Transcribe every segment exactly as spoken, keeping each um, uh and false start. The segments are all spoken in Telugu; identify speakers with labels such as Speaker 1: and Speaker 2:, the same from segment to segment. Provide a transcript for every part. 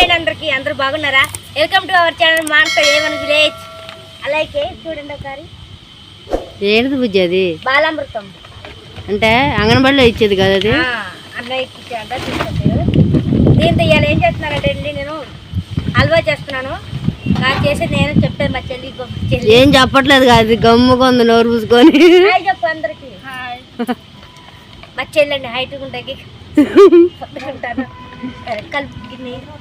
Speaker 1: అండి అందరికి, అందరూ బాగున్నారా? Welcome to our channel Manasa A one village. అలాగే చూడండి ఒకసారి
Speaker 2: ఏంటిది బుజ్జి అది?
Speaker 1: బాలామృతం
Speaker 2: అంటే అంగన్వాడీలో ఇచ్చేది కదా అది?
Speaker 1: అన్నయ్య ఇచ్చాడ తీసుకొచ్చారు. దీంతో ఇవాళ ఏం చేస్తున్నానంటే అండి, నేను హల్వా చేస్తున్నాను. నాకు చేసి నేను చెప్పాను మా చెల్లి.
Speaker 2: ఏం చెప్పట్లేదు కాదు, గమ్ముగా ఉంది నోరు పూసుకొని.
Speaker 1: హాయ్ చెప్పు అందరికి. మా చెల్లండి హైట్ ఉంటాయి ఉంటాను కలిపి.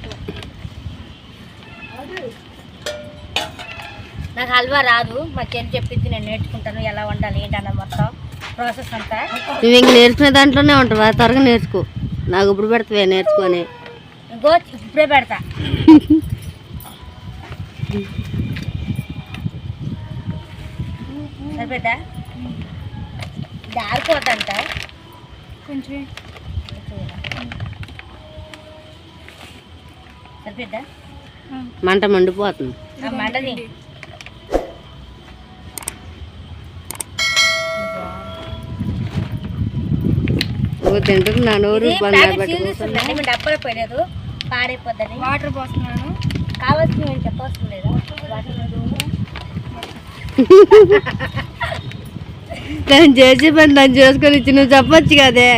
Speaker 1: నాకు హల్వా రాదు, మా చెల్లి చెప్పింది, నేను నేర్చుకుంటాను ఎలా వండాలి ఏంటన్న మొత్తం ప్రాసెస్ అంతా.
Speaker 2: నువ్వు ఇంక నేర్చుకునే దాంట్లోనే ఉంటావా? త్వరగా నేర్చుకో, నాకు ఇప్పుడు పెడతావే నేర్చుకొని.
Speaker 1: ఇంకో ఇప్పుడే పెడతా. సరిపోతా దారిపోతంట కొంచెం సరిపోద్దా?
Speaker 2: మంట మండిపోతుంది.
Speaker 1: మంటది
Speaker 2: తింటుంది నా నోరు.
Speaker 1: డబ్బలు పోయలేదు, పాడైపోద్దని వాటర్ పోస్తున్నాను. కావాల్సిన నేను చెప్పవలసిన లేదా?
Speaker 2: దాన్ని చేసి పని దాన్ని చేసుకొని ఇచ్చి నువ్వు చెప్పొచ్చు కదే.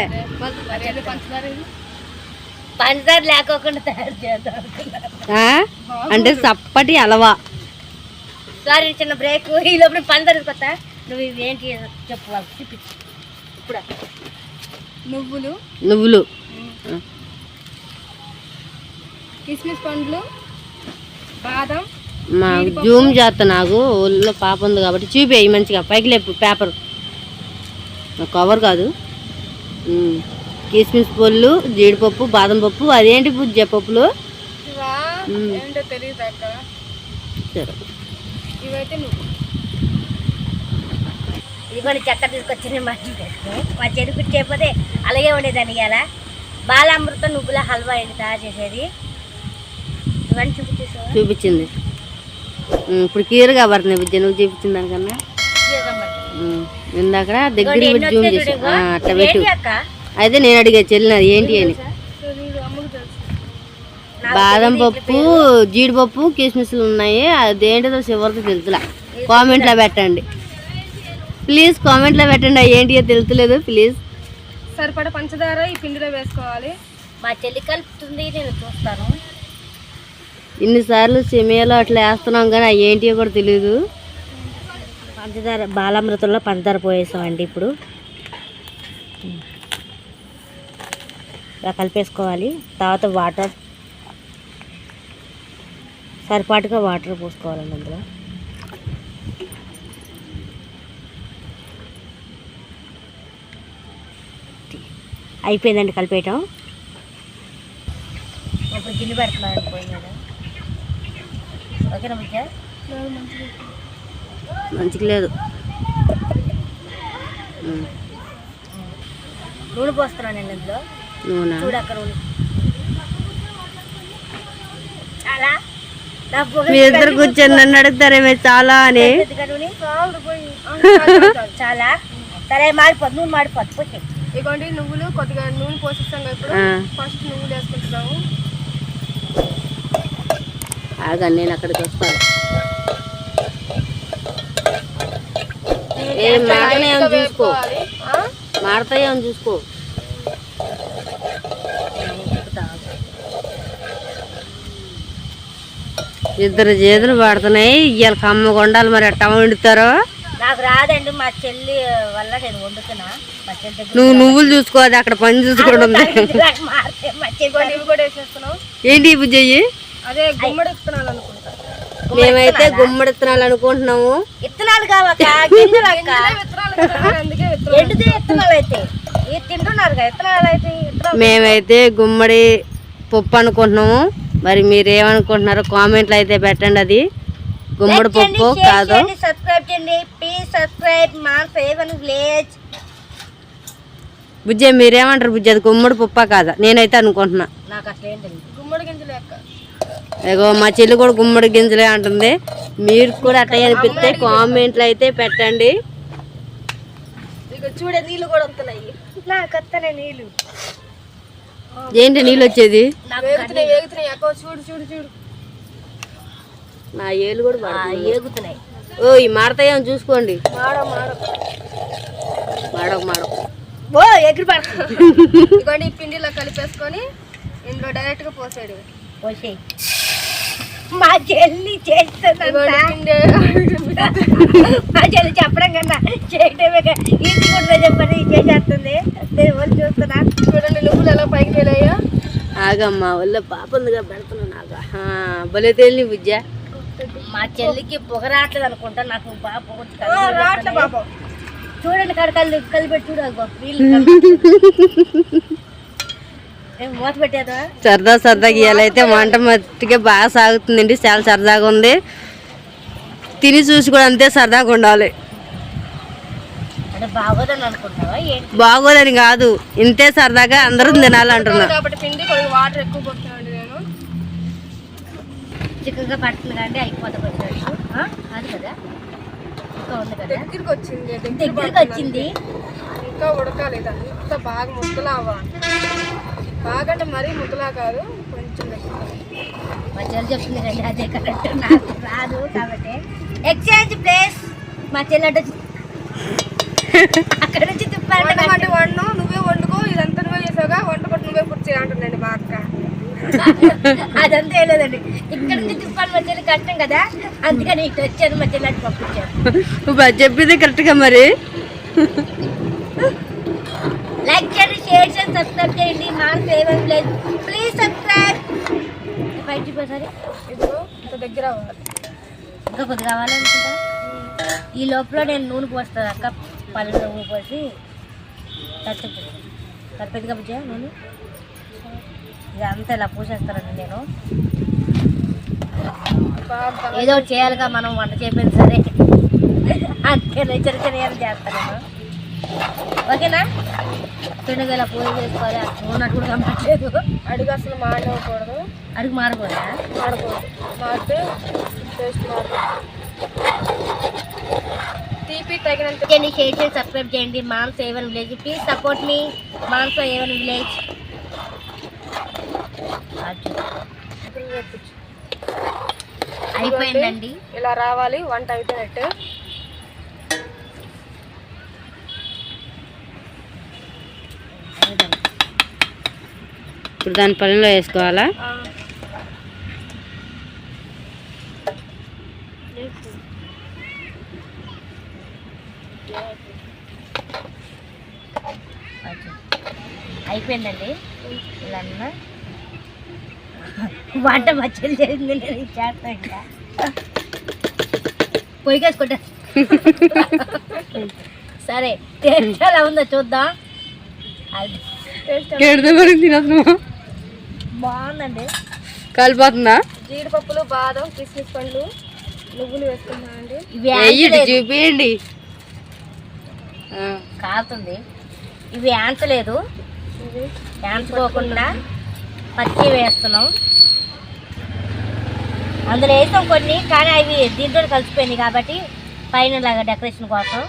Speaker 1: పంచదార లేకోకుండా తయారు చేద్దాం
Speaker 2: అంటే చప్పటి అలవా.
Speaker 1: సారీ చిన్న బ్రేక్. ఈ లోపల పంచదార తీసుకొస్తా. నువ్వు ఇవి ఏంటి చెప్పు వాళ్ళు చూపించు. ఇప్పుడు నువ్వులు
Speaker 2: నువ్వులు
Speaker 1: కిస్మిస్ పండ్లు, బాదం.
Speaker 2: మా జూమ్ చేస్తా, నాకు ఒళ్ళో పాప ఉంది కాబట్టి చూపేయి మంచిగా. పైకి లేపు పేపర్, కవర్ కాదు. కిస్మిస్ పళ్ళు, జీడిపప్పు, బాదం పప్పు. అదేంటి బుజ్జ పప్పులు? సరే
Speaker 1: ఇవైతే నువ్వు ఇదిగోండి చక్కెర తీసుకొచ్చింది. మా మా చెరుకు చేయకపోతే అలాగే ఉండేదాన్ని. ఇలా బాలామృతం నువ్వుల హల్వా ఏంటి తయారు చేసేది ఇవన్నీ చూపించేసా
Speaker 2: చూపించింది. ఇప్పుడు క్లియర్గా పడుతుంది బుజ్జ నువ్వు చూపించిన దానికన్నా. ఇందాక దగ్గర జూమ్ చేసి అట్లా పెట్టు. అయితే నేను అడిగా చెల్లినది ఏంటి అని. బాదం పప్పు, జీడిపప్పు, కిస్మిస్లు ఉన్నాయి. అదేంటిదో చివరికి తెలుసులా. కామెంట్లో పెట్టండి ప్లీజ్, కామెంట్లో పెట్టండి. ఏంటి తెలుసులేదు ప్లీజ్.
Speaker 1: సరిపడా పంచదార ఈ పిండిలో వేసుకోవాలి. మా చెల్లి కలుపుతుంది, నేను చూస్తాను.
Speaker 2: ఇన్నిసార్లు సెమియాలో అట్లా వేస్తున్నాం కానీ అవి ఏంటియో కూడా తెలియదు.
Speaker 1: పంచదార బాలామృతంలో పంచదార పోయేసామండి. ఇప్పుడు ఇలా కలిపేసుకోవాలి. తర్వాత వాటర్ సరిపాటుగా వాటర్ పోసుకోవాలండి అందులో. అయిపోయిందండి కలిపేయటం. ఇప్పుడు గిన్నె పెడుతున్నాను పోయింది కదా. ఓకేనా బుజ్జ?
Speaker 2: మంచిగా లేదు.
Speaker 1: నూనె పోస్తున్నాను నేను ఇందులో.
Speaker 2: నూనె
Speaker 1: చూడు అక్కడ నూనె చాలా.
Speaker 2: మీ ఇద్దరు కూర్చొని నన్ను అడుగుతారే మీరు చాలా అని.
Speaker 1: చాలా సరే మాడిపోద్దు, నూనె మాడిపోద్దు. పోతే ఇదిగోండి నువ్వులు కొద్దిగా నూనె పోసిస్తాం కదా. ఇప్పుడు ఫస్ట్ నువ్వులు వేసుకుంటున్నాము.
Speaker 2: ఆగా నేను అక్కడికి వస్తాను. ఏ మాడతాయేమో చూసుకో, మాడతాయేమో చూసుకో. ఇద్దరు చేతులు పడుతున్నాయి. ఇవాళ కమ్మ కొండాలి, మరి ఎట్టా వండుతారో
Speaker 1: నాకు రాదండి. మా చెల్లి వల్ల నేను వండుతున్నా. మా చెల్లి
Speaker 2: నువ్వు నువ్వులు చూసుకోవాలి, అక్కడ పని చూసుకోవడం. ఏంటి బుజ్జయ్యి?
Speaker 1: అదే గుమ్మడి విత్తనాలు అనుకుంటా.
Speaker 2: మేమైతే గుమ్మడి విత్తనాలు అనుకుంటున్నాము.
Speaker 1: విత్తనాలు కావక్క, ఎండితే విత్తనాలు అయితే తింటున్నారు కదా. విత్తనాలు అయితే
Speaker 2: మేమైతే గుమ్మడి పప్పు అనుకుంటున్నాము. మరి మీరేమనుకుంటున్నారో కామెంట్లు అయితే పెట్టండి. అది గుమ్మడి పప్పు కాదు.
Speaker 1: సబ్స్క్రైబ్ చేయండి please. Subscribe Manasa A one village.
Speaker 2: బుజ్జ మీరేమంటారు బుజ్జ? అది గుమ్మడి పప్పా కాదా? నేనైతే అనుకుంటున్నా.
Speaker 1: నాకు అసలు ఏం తెలియదు. గుమ్మడి గింజలు లెక్క.
Speaker 2: ఏగో మా చెల్లి కూడా గుమ్మడి గింజలే అంటుంది. మీరు కూడా అట్లా అనిపిస్తే కామెంట్లు అయితే పెట్టండి.
Speaker 1: చూడే నీళ్ళు కూడా వస్తున్నాయి. నాకు వస్తున్నాయి నీళ్ళు.
Speaker 2: ఏంటి నీళ్ళు వచ్చేది?
Speaker 1: చూడు చూడు చూడు
Speaker 2: నా ఏళ్ళు కూడా
Speaker 1: ఏగుతున్నాయి.
Speaker 2: ఓ ఈ మాడతాయేమో చూసుకోండి.
Speaker 1: మాడో మాడో
Speaker 2: మాడక మాడక
Speaker 1: ఓ ఎగిరి పడుతుంది. ఈ పిండిలో కలిపేసుకొని ఇందులో డైరెక్ట్ గా పోసేడు. పోసే మా చెల్లి చేస్తుందంట. మా చెల్లి చెప్పడం కన్నా చేయటమే ఈజీ కూడా చెప్పని చేసేస్తుంది. నేను వాళ్ళు చూస్తున్నా. చూడండి నువ్వులు ఎలా పైకి వెళ్ళాయో.
Speaker 2: ఆగమ్మా వల్ల పాప ఉందిగా పెడుతున్నా నాగా భలే తేలి బుజ్జ.
Speaker 1: మా చెల్లికి పొగ రావట్లేదు అనుకుంటా. నాకు బాగా పొగ చూడండి కాడ కళ్ళు కలిపెట్టి చూడ మూత పెట్టేదా.
Speaker 2: సరదా సరదాగా ఇవాళైతే వంట మట్టిగా బాగా సాగుతుందండి. చాలా సరదాగా ఉంది. తిని చూసి కూడా అంతే సరదాగా ఉండాలి.
Speaker 1: అంటే బాగోదని అనుకుంటావా?
Speaker 2: బాగోదని కాదు, ఇంతే సరదాగా అందరూ తినాలంటున్నా.
Speaker 1: పిండి కొద్దిగా వాటర్ ఎక్కువ పోతున్నాను నేను. చిక్కగా పడుతుంది కానీ అయిపోతుంది అది కదా. ఇంకా ఉంది కదా, దగ్గరికి వచ్చింది దగ్గరికి వచ్చింది ఇంకా ఉడకాలి. అంతా బాగా ముద్దలా అవ్వాలి. బాగా అంటే మరీ ముద్దలా కాదు, కొంచెం మా చెల్లి చెప్తుంది రండి అదే కరెక్ట్. నాకు రాదు కాబట్టి ఎక్స్చేంజ్ ప్లేస్. మా చెల్లి అంటే అక్కడ నుంచి తిప్పాలంటే వండు నువ్వే వండుకో, ఇదంతా నువ్వే చేసావుగా, వంట కూడా నువ్వే పూర్తి చేయాలంటుందండి మా అక్క. అదంతా ఏం లేదండి, ఇక్కడ నుంచి తిప్పాలి మా చెల్లి కష్టం కదా, అందుకని ఇటు వచ్చాను మా చెల్లి అటు పంపించాను.
Speaker 2: చెప్పింది కరెక్ట్గా. మరి
Speaker 1: లైక్ చేయండి, షేర్ చేయండి, సబ్స్క్రైబ్ చేయండి. మా ఫేవరెట్ ప్లేస్ ప్లీజ్ సబ్స్క్రైబ్. బయటికి పోసారి ఇప్పుడు ఇంత దగ్గర అవ్వాలి, ఇంకా కొద్దిగా కావాలనుకుంటా. ఈ లోపల నేను నూనె పోస్తాను అక్క. పల్లె నూనె పోసి తప్పి తప్పిదిగా బుజ్జా నూనె ఇదంతా ఇలా పూసేస్తానండి నేను. ఏదో ఒకటి చేయాలిగా మనం, వంట చేయలేదు సరే అందుకే చిన్న చిన్న చేస్తాను నేను. ఓకేనా? పిండిగా ఇలా పూజ చేసుకోవాలి. నూనె కూడా కమ్మట్లేదు. అడుగు అసలు మాడకూడదు. అడుగు మారకూడదా? మాడకూడదు. మాడితే టేస్ట్ మారుతుంది. తీపి తగినంత షేర్ చేసి సబ్స్క్రైబ్ చేయండి. Manasa A one village please support మీ. మాన్స్ ఏవన్ విలేజ్ అయిపోయిందండి. ఇలా రావాలి వంట అయిపోయినట్టు.
Speaker 2: ఇప్పుడు దాని పళ్ళలో వేసుకోవాలా?
Speaker 1: అయిపోయిందండి. ఇలా వంట మచ్చలు చేసింది నేను చేస్తా. ఇంకా పొయ్యికేసుకుంటా. సరే టేస్ట్ ఎలా ఉందో చూద్దాం. బాగుందండి.
Speaker 2: కలిపోతుందా?
Speaker 1: జీడిపప్పులు, బాదం, కిస్మిస్ పండ్లు, నువ్వులు వేసుకున్నానండి.
Speaker 2: ఇవి చూపించండి.
Speaker 1: కాలుతుంది. ఇవి యాంచలేదు, యాంచుకోకుండా పచ్చి వేస్తున్నాం. అందులో వేసాం కొన్ని, కానీ అవి దీంట్లో కలిసిపోయినాయి కాబట్టి పైన లాగా డెకరేషన్ కోసం.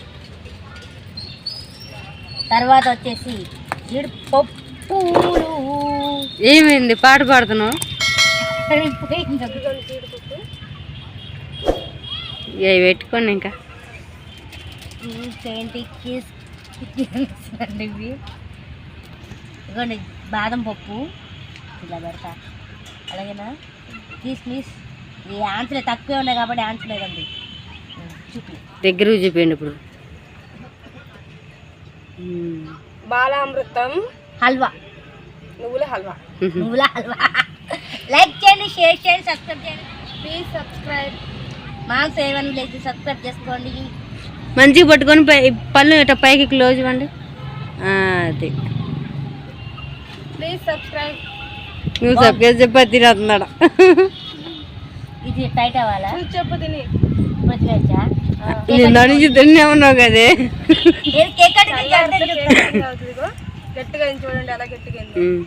Speaker 1: తర్వాత వచ్చేసి జీడిపప్పులు.
Speaker 2: ఏమైంది పాట పాడుతున్నావు? ఇవి పెట్టుకోండి. ఇంకా
Speaker 1: ఏంటి అండి ఇవి? ఇదిగోండి బాదం పప్పు ఇలా పెడతా. అలాగేనా? కిస్మిస్ ఈ ఆన్సలే తక్కువే ఉన్నాయి కాబట్టి ఆన్సలేదండి. చూపి
Speaker 2: దగ్గర చూపించండి. ఇప్పుడు
Speaker 1: బాలామృతం హల్వా, నువ్వుల హల్వా, నువ్వుల హల్వా. లైక్ చేయండి, షేర్ చేయండి, సబ్స్క్రైబ్ చేయండి. Please subscribe. మా సేవన్ విలేజ్ సబ్స్క్రైబ్ చేసుకోండి.
Speaker 2: మంచిగా పట్టుకొని పై పళ్ళు ఇట్లా పైకి క్లోజ్ ఇవ్వండి. అది
Speaker 1: ప్లీజ్ సబ్స్క్రైబ్.
Speaker 2: నువ్వు సబ్స్క్రైబ్ చెప్పి తినేస్తున్నాడు.
Speaker 1: ఇది టైట్ అవ్వాలా? చెప్పు తిని
Speaker 2: నుంచి తిన్నే ఉన్నావు కదే.
Speaker 1: గట్టిగా చూడండి అలా గట్టిగా.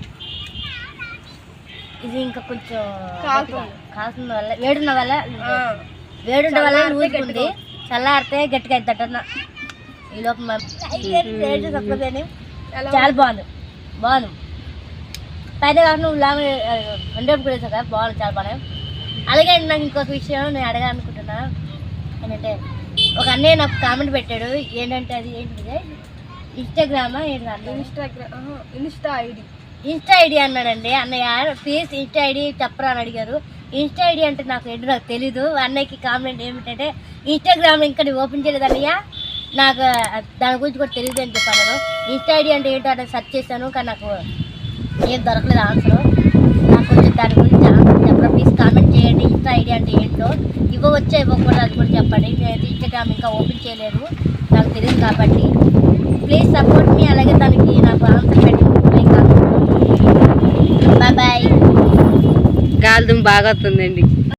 Speaker 1: ఇది ఇంకా కొంచెం కాల్సిన వల్ల వేడున్న వల్ల వేడుండ వల్ల ఊరుకుంది. చల్లారితే గట్టిగా అవుతుందట. ఈ లోపు చాలా బాగుంది బాగుంది. పైన కాకుండా నువ్వు లాంగ్ హండ్రెడ్ కూడా వేసావు కదా, బాగుంది చాలా బాగా. అలాగే నాకు ఇంకొక విషయం నేను అడగాలనుకుంటున్నా ఏంటంటే, ఒక అన్నయ్య నాకు కామెంట్ పెట్టాడు. ఏంటంటే అది ఏంటిది, ఇన్స్టాగ్రామా ఏంటి,
Speaker 3: Instagram insta ID
Speaker 1: insta ID అన్నాడండి అన్నయ్య. ప్లీజ్ ఇన్స్టా ఐడి చెప్పరా అని అడిగారు. ఇన్స్టా ఐడి అంటే నాకు ఏంటో నాకు తెలీదు. అన్నయ్యకి కామెంట్ ఏమిటంటే, ఇన్స్టాగ్రామ్ ఇంకా నేను ఓపెన్ చేయలేదు అన్నయ్య, నాకు దాని గురించి కూడా తెలియదు అని చెప్పాను. నేను ఇన్స్టా ఐడి అంటే ఏంటో అంటే సెర్చ్ చేశాను, కానీ నాకు ఏం దొరకలేదు ఆన్సర్. నాకు కొంచెం దాని గురించి ఆన్సర్ చెప్పరా ప్లీజ్, కామెంట్ చేయండి. ఇన్స్టా ఐడి అంటే ఏంటో ఇవ్వవచ్చా ఇవ్వకూడదు అది కూడా చెప్పండి. నేనైతే ఇన్స్టాగ్రామ్ ఇంకా ఓపెన్ చేయలేదు, నాకు తెలియదు కాబట్టి ప్లీజ్ సపోర్ట్ మీ. అలాగే దానికి నాకు ఆన్సర్ పెట్టి బాయ్ బాయ్.
Speaker 2: గాలి దుమ్ము బాగా వస్తుందండి.